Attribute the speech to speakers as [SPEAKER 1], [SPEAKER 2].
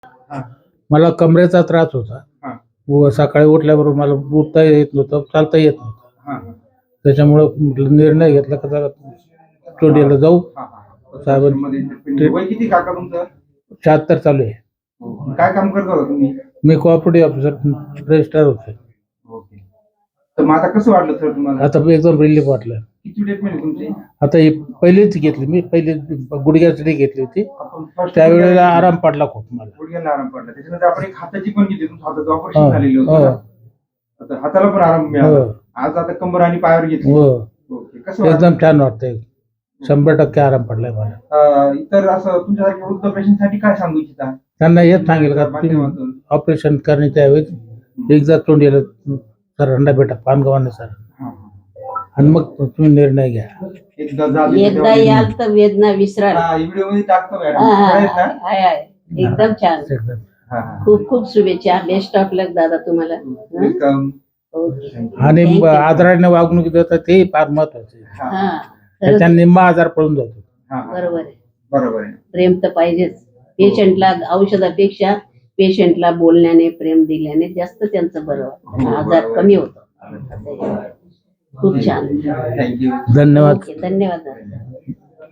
[SPEAKER 1] हा.
[SPEAKER 2] मला कमरेचा त्रास होता
[SPEAKER 1] हा.
[SPEAKER 2] व सकाळी उठल्याबरोबर मला उठता येत नव्हतं, चालता येत नव्हतं.
[SPEAKER 1] हा.
[SPEAKER 2] त्याच्यामुळं म्हटलं निर्णय घेतला का जरा स्टुडिओला जाऊ.
[SPEAKER 1] हा. साहेबांमध्ये वय किती काका तुमचं?
[SPEAKER 2] 76 चालू आहे.
[SPEAKER 1] काय काम करत होता तुम्ही?
[SPEAKER 2] मी कोऑपरेटिव्ह ऑफिसर रजिस्ट्रार होतो.
[SPEAKER 1] ओके. तर मग आता कसं वाटलं सर तुम्हाला?
[SPEAKER 2] आता एकदम रिलीफ वाटलं.
[SPEAKER 1] किती ट्रीटमेंट आहे तुमची?
[SPEAKER 2] आता ही पहिलीच घेतली मी, पहिली गुडघ्यासाठी घेतली होती. त्यावेळेला आराम पडला खूप मला.
[SPEAKER 1] गुडघ्याला आराम पडला. त्याच्यानंतर आपण एक हाताची पण घेतली, तुमचं हाताचं ऑपरेशन झालेलं होतं. आता हाताला पण आराम मिळाला. आज आता कंबर आणि पायावर घेतली. ओके. कसं
[SPEAKER 2] एकदम छान वाटतंय. 100% आराम पडलाय मला.
[SPEAKER 1] इतर असं तुमच्यासारख्या वृद्ध पेशंटसाठी काय सांगू इच्छिता?
[SPEAKER 2] त्यांना हेच सांगेल का ऑपरेशन करण्याच्या ऐवजी एकदा तोंडीला सर हंडा भेटा पानगव्हाने सर, आणि मग तुम्ही निर्णय घ्या.
[SPEAKER 3] एकदा याल तर वेदना विसरा.
[SPEAKER 1] व्हिडिओ मध्ये टाकतो मॅडम.
[SPEAKER 3] एकदम छान. खूप खूप शुभेच्छा. बेस्ट ऑफ लक दादा तुम्हाला.
[SPEAKER 2] आणि आदराने वागणूक देतात ते फार महत्वाचे. त्याच्या निम्मा आजार पळून जातो.
[SPEAKER 3] बरोबर आहे.
[SPEAKER 1] बरोबर आहे.
[SPEAKER 3] प्रेम तर पाहिजेच. पेशंटला औषधापेक्षा पेशंटला बोलण्याने प्रेम दिल्याने जास्त त्यांचं बरं आजार कमी होतो. खूप छान.
[SPEAKER 1] थँक्यू.
[SPEAKER 2] धन्यवाद.
[SPEAKER 3] धन्यवाद.